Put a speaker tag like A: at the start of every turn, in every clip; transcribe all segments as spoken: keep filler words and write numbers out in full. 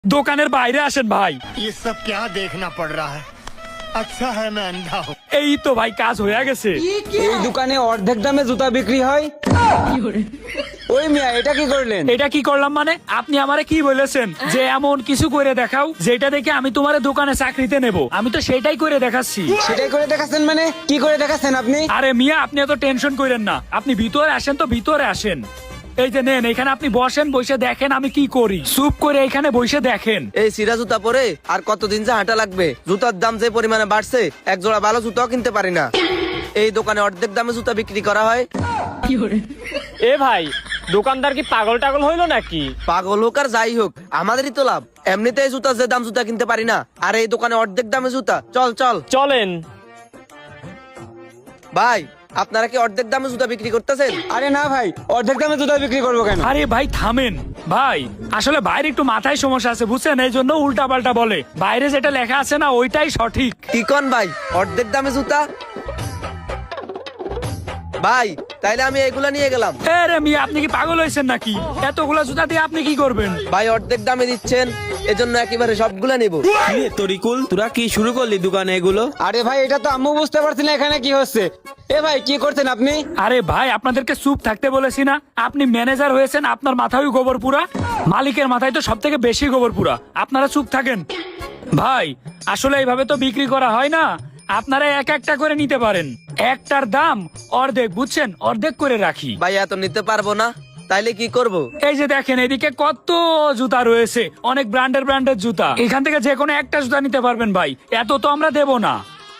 A: দোকানের বাইরে আসেন ভাই।
B: ये सब क्या देखना पड़ रहा है? अच्छा है मैं अंधा हूँ।
A: এই তো ভাই কাজ হয়ে গেছে।
C: এই দোকানে অর্ধেক দামে জুতা বিক্রি হয়। ওই মিয়া এটা কি করলেন?
A: এটা কি করলাম মানে? আপনি আমারে কি বলেছেন যে এমন কিছু করে দেখাও যেটা দেখে আমি তোমার দোকানে চাকরিতে নেব? আমি তো সেটাই করে দেখাচ্ছি।
C: সেটাই করে দেখাচ্ছেন মানে কি করে দেখাচ্ছেন আপনি?
A: আরে মিয়া আপনি এত টেনশন করেন না, আপনি ভিতরে আসেন তো ভিতরে আসেন। এই যে নেন এখানে আপনি বসেন, বসে দেখেন আমি কি করি। চুপ করে এখানে বসে দেখেন।
D: এই সিরা জুতা পরে আর কতদিন যে হাঁটা লাগবে? জুতার দাম যে পরিমাণে বাড়ছে, এক জোড়া ভালো জুতাও কিনতে পারি না। এই দোকানে অর্ধেক দামে জুতা বিক্রি করা হয়।
E: এ ভাই, দোকানদার কি পাগল টাগল হইলো নাকি?
D: পাগল হোক আর যাই হোক, আমাদেরই তো লাভ। এমনিতে এই জুতা যে দাম জুতা কিনতে পারি না, আর এই দোকানে অর্ধেক দামে জুতা। চল চল
E: চলেন।
D: ভাই, আপনারা কি অর্ধেক দামে জুতা বিক্রি করতেছেন?
C: আরে না ভাই, অর্ধেক দামে জুতা বিক্রি করবো কেন?
A: আরে ভাই থামেন ভাই, আসলে বাইরে একটু মাথায় সমস্যা আছে বুঝছেন, এই জন্য উল্টা পাল্টা বলে। বাইরে যেটা লেখা আছে না ওইটাই সঠিক।
D: কি কন ভাই, অর্ধেক দামে জুতা? ভাই তাইলে আমি এগুলা নিয়ে গেলাম।
A: আরে মিয়া আপনি কি পাগল হয়েছেন নাকি? এতগুলা জুতা দিয়ে আপনি কি করবেন?
D: ভাই অর্ধেক দামে দিচ্ছেন, এজন্য একেবারে সবগুলা নেব।
F: কিরে তরিকুল, তোরা কি শুরু করলি দোকানে এগুলো?
C: আরে ভাই এটা তো আম্মু বুঝতে পারছি না এখানে কি হচ্ছে। এ ভাই কি করছেন আপনি?
A: আরে ভাই আপনাদেরকে চুপ থাকতে বলেছি না? আপনি ম্যানেজার হয়েছেন, আপনার মাথায় গোবর পুরা, মালিকের মাথায় তো সব থেকে বেশি গোবর পুরা। আপনারা চুপ থাকেন। ভাই আসলে এইভাবে তো বিক্রি করা হয় না, আপনারা এক একটা করে নিতে পারেন। একটার দাম অর্ধেক, বুঝছেন? অর্ধেক করে রাখি।
D: ভাই এত নিতে পারবো না, তাইলে কি করব?
A: এই যে দেখেন এদিকে কত জুতা রয়েছে, অনেক ব্র্যান্ডের ব্র্যান্ডের জুতা। এখান থেকে যে কোনো একটা জুতা নিতে পারবেন ভাই, এত তো আমরা দেব না।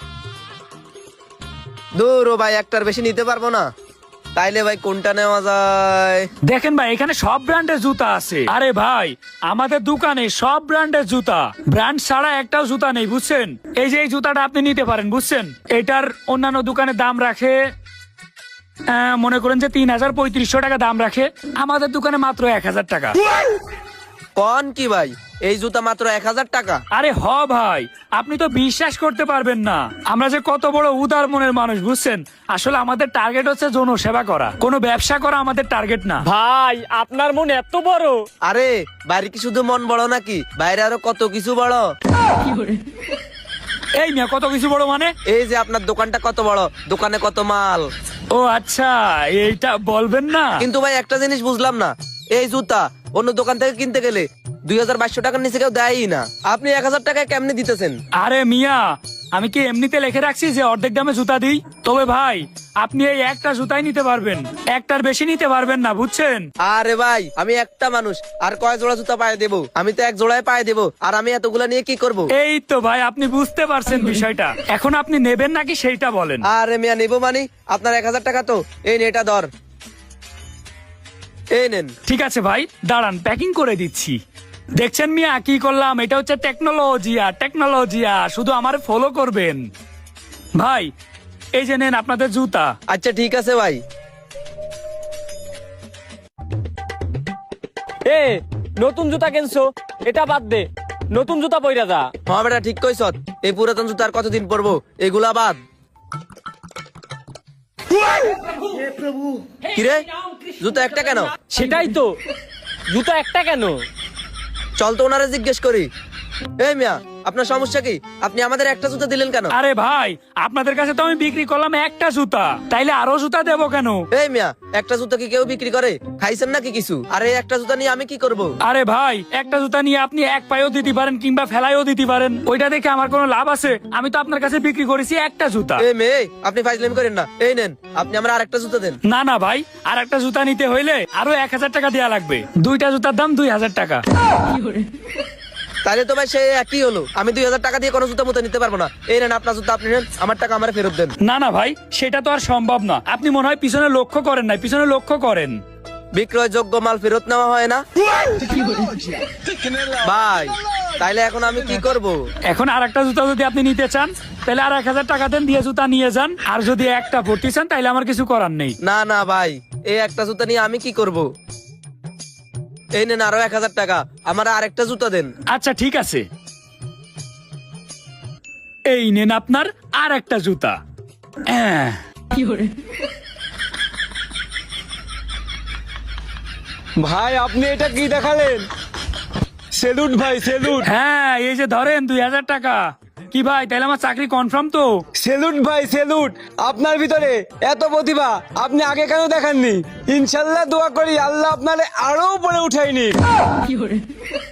D: দূর ও ভাই, একটার বেশি নিতে পারবো না। তাইলে ভাই কোনটা নেওয়া যায়?
A: দেখেন ভাই এখানে সব ব্র্যান্ডের জুতা আছে। আরে ভাই আমাদের দোকানে সব ব্র্যান্ডের জুতা, ব্র্যান্ড ছাড়া একটাও জুতা নেই বুঝছেন। এই যে এই জুতাটা আপনি নিতে পারেন বুঝছেন। এটার অন্যান্য দোকানে দাম রাখে আহ, মনে করেন যে তিন হাজার পঁয়ত্রিশশো টাকা দাম রাখে, আমাদের দোকানে মাত্র এক হাজার টাকা।
D: কোন কি ভাই, এই জুতা মাত্র এক হাজার টাকা?
A: আরে হ ভাই, আপনি তো বিশ্বাস করতে পারবেন না আমরা যে কত বড় উদার মনের মানুষ বুঝছেন। আসলে আমাদের টার্গেট হচ্ছে জনসেবা করা, কোনো ব্যবসা করা আমাদের টার্গেট না।
E: ভাই আপনার মন এত বড়?
D: আরে বাইরে কি শুধু মন বড় নাকি, বাইরে আরো কত কিছু বড়।
A: এই মিয়া কত কিছু বড় মানে?
D: এই যে আপনার দোকানটা কত বড়, দোকানে কত মাল।
A: ও আচ্ছা, এইটা বলবেন না।
D: কিন্তু ভাই একটা জিনিস বুঝলাম না, এই জুতা অন্য দোকান থেকে কিনতে গেলে দুই হাজার বাইশশো টাকার নিচে কেউ দেয়ই না, আপনি এক হাজার টাকায় কেমনি দিতেছেন?
A: আরে মিয়া আমি কি এমনিতে লিখে রাখছি যে অর্ধেক দামে জুতা দিই? তবে ভাই আপনি এই একটা জুতাই নিতে পারবেন, একটার বেশি নিতে পারবেন না বুঝছেন।
D: আরে ভাই আমি একটা মানুষ, আর কয় জোড়া জুতা পায়ে দেবো? আমি তো এক জোড়ায় পায়ে দেবো, আর আমি এতগুলা নিয়ে কি করব?
A: এই তো ভাই আপনি বুঝতে পারছেন বিষয়টা। এখন আপনি নেবেন নাকি সেইটা বলেন।
D: আরে মিয়া নেবো মানে, আপনার এক হাজার টাকা তো, এই নে এটা ধর, এই নেন।
A: ঠিক আছে ভাই দাঁড়ান, প্যাকিং করে দিচ্ছি। দেখছেন মিয়া কি করলাম? এটা হচ্ছে টেকনোলজিয়া, টেকনোলজিয়া। শুধু আমার ফলো করবেন ভাই। এই যে নেন আপনাদের জুতা।
D: আচ্ছা ঠিক আছে ভাই।
E: এ নতুন জুতা কিনছো, এটা বাদ দে, নতুন জুতা পইরা যা।
D: হ্যাঁ বেটা ঠিক কইছ, এই পুরাতন জুতা আর কতদিন পরবো, এগুলা বাদ। কিরে জুতা একটা কেন?
E: সেটাই তো, জুতা একটা কেন?
D: চল তো ওনারে জিজ্ঞেস করি। এই মিয়া আপনার সমস্যা কি? আপনি আমাদের একটা জুতা দিলেন কেন?
A: আরে ভাই আপনাদের কাছে তো আমি বিক্রি করলাম একটা জুতা, তাইলে আরো জুতা দেবো কেন?
D: এই মিয়া একটা জুতা কি কেউ বিক্রি করে? খাইছেন নাকি কিছু? আরে একটা জুতা নিয়ে আমি কি করব?
A: আরে ভাই একটা জুতা নিয়ে আপনি এক পায়েও দিতে পারেন কিংবা ফেলাইও দিতে পারেন, ওইটা দেখে আমার কোনো লাভ আছে? আমি তো আপনার কাছে বিক্রি করেছি একটা জুতা।
D: এই মেয়ে আপনি ফাইজলামি করেন না, এই নেন আপনি আমার আরেকটা জুতা দেন।
A: না না ভাই, আর একটা জুতা নিতে হইলে আরো এক হাজার টাকা দেওয়া লাগবে। দুইটা জুতার দাম দুই হাজার টাকা।
D: তাহলে তো ভাই সে একই হলো, আমি দুই হাজার টাকা দিয়ে কোনো জুতা মতো নিতে পারবো না। এই নেন আপনার জুতা আপনি নেন, আমার টাকা আমার ফেরত দেন।
A: না না ভাই সেটা তো আর সম্ভব না। আপনি মনে হয় পিছনে লক্ষ্য করেন নাই, পিছনে লক্ষ্য করেন।
D: বিক্রয়যোগ্য মাল ফেরত নেওয়া হয় না ভাই, তাইলে এখন আমি কি করব?
A: এখন আর একটা জুতা যদি আপনি নিতে চান তাহলে আর এক হাজার টাকা দেন, দিয়ে জুতা নিয়ে যান। আর যদি একটা ভর্তি চান তাহলে আমার কিছু করার নেই।
D: না না ভাই, এই একটা জুতা নিয়ে আমি কি করব? এই নেন আরো এক হাজার টাকা, আমার আরেকটা জুতা দেন।
A: আচ্ছা ঠিক আছে, এই নেন আপনার আর একটা জুতা। আহ,
C: ভাই আপনি এটা কি দেখালেন? সেলুট ভাই সেলুট।
A: হ্যাঁ এই যে ধরেন দুই হাজার টাকা। কি ভাই তাহলে আমার চাকরি কনফার্ম তো?
C: সেলুট ভাই সেলুট, আপনার ভিতরে এত প্রতিভা আপনি আগে কেন দেখাননি? ইনশাল্লাহ দোয়া করি আল্লাহ আপনারে আরো উপরে উঠাইনি।